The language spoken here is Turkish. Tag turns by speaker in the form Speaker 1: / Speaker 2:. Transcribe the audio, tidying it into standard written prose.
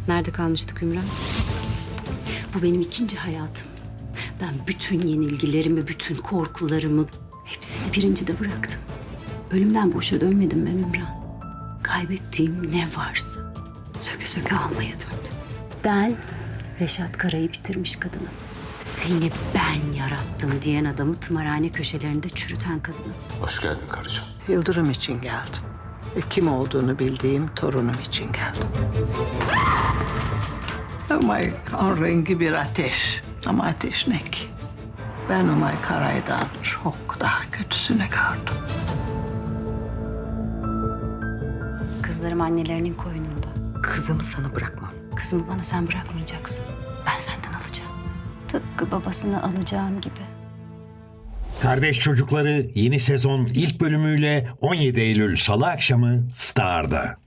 Speaker 1: Nerede kalmıştık Ümran? Bu benim ikinci hayatım. Ben bütün yenilgilerimi, bütün korkularımı hepsini birincide bıraktım. Ölümden boşa dönmedim ben Ümran. Kaybettiğim ne varsa söke söke almaya döndüm. Ben Reşat Kara'yı bitirmiş kadınım. Seni ben yarattım diyen adamı tımarhane köşelerinde çürüten kadınım.
Speaker 2: Hoş geldin karıcığım.
Speaker 3: Yıldırım için geldim. Kim olduğunu bildiğim torunum için geldim. Umay kan rengi bir ateş. Ama ateş ne ki? Ben Umay Karay'dan çok daha kötüsünü gördüm.
Speaker 1: Kızlarım annelerinin koynunda.
Speaker 4: Kızımı sana bırakmam.
Speaker 1: Kızımı bana sen bırakmayacaksın. Ben senden alacağım. Tıpkı babasını alacağım gibi.
Speaker 5: Kardeş Çocukları yeni sezon ilk bölümüyle 17 Eylül Salı akşamı Star'da.